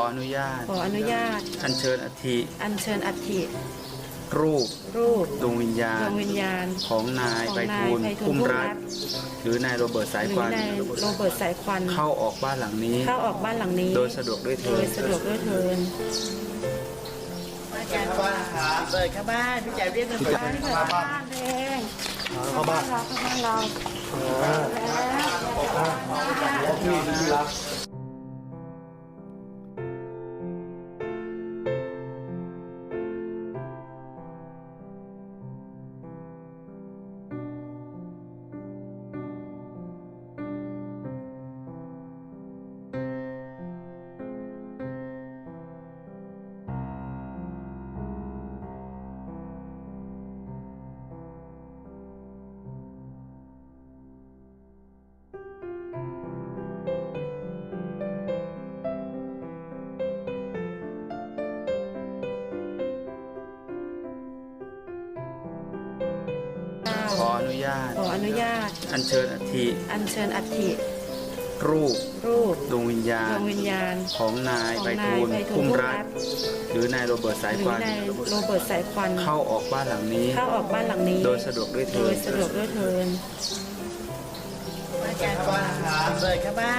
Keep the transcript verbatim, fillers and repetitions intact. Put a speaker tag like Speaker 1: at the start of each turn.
Speaker 1: อนุญาต
Speaker 2: ขออนุญาต
Speaker 1: อัญเชิญอัฐิ
Speaker 2: อัญเชิญอัฐิ
Speaker 1: รูป
Speaker 2: รูป
Speaker 1: ดวงวิญญา
Speaker 2: ด
Speaker 1: ณ
Speaker 2: วงวิญญาณ
Speaker 1: ของนาย
Speaker 2: ของ
Speaker 1: ไพ
Speaker 2: นาย
Speaker 1: ฑูรย์
Speaker 2: ไพฑูรย์
Speaker 1: พุ่ม
Speaker 2: พุ่ม
Speaker 1: รั
Speaker 2: รั
Speaker 1: ต
Speaker 2: ตน์
Speaker 1: หรือนายโรเบิร์ตสาย
Speaker 2: หรื
Speaker 1: ค
Speaker 2: อ
Speaker 1: วัน
Speaker 2: นายโรเบิร์ตสายควัน
Speaker 1: เข้าออกบ้านหลังนี้
Speaker 2: เข้าออกบ้านหลังนี้
Speaker 1: โดยสะดวกด้วยเถิ
Speaker 2: โด
Speaker 1: ด
Speaker 2: ยสะดวกด้วยเทิน
Speaker 3: อาจารย์ว่าเปิดเข้าบ้านพี่จ๋าเรียกกัน
Speaker 2: บ้านเปิดบ้านเองเข้าบ้านเราเข้าบ้านเราแล้ว
Speaker 1: ขออนุญาต
Speaker 2: ขออนุญาต
Speaker 1: อัญเชิญอัฐิ
Speaker 2: อัญเชิญอัฐิ
Speaker 1: รูป
Speaker 2: รูป
Speaker 1: ดวงวิญญา
Speaker 2: ด
Speaker 1: ณ
Speaker 2: วงวิญญาณ
Speaker 1: ของนาย
Speaker 2: ของ
Speaker 1: ไพ
Speaker 2: นาย
Speaker 1: ฑูรย์
Speaker 2: ไพฑูรย์
Speaker 1: พุ่ม
Speaker 2: พุ่ม
Speaker 1: รั
Speaker 2: รั
Speaker 1: ต
Speaker 2: ตน์
Speaker 1: หรือนายโรเบิร์ตสาย
Speaker 2: หรื
Speaker 1: ค
Speaker 2: อ
Speaker 1: วัน
Speaker 2: นายโรเบิร์ตสายควัน
Speaker 1: เข้าออกบ้านหลังนี้
Speaker 2: เข้าออกบ้านหลังนี้
Speaker 1: โดยสะดวกด้วย
Speaker 2: โด
Speaker 1: เถิ
Speaker 2: ย
Speaker 1: ด
Speaker 2: สะดวกด้วยเทิน
Speaker 3: อาจารย์ว่าเปิดเข้าบ้าน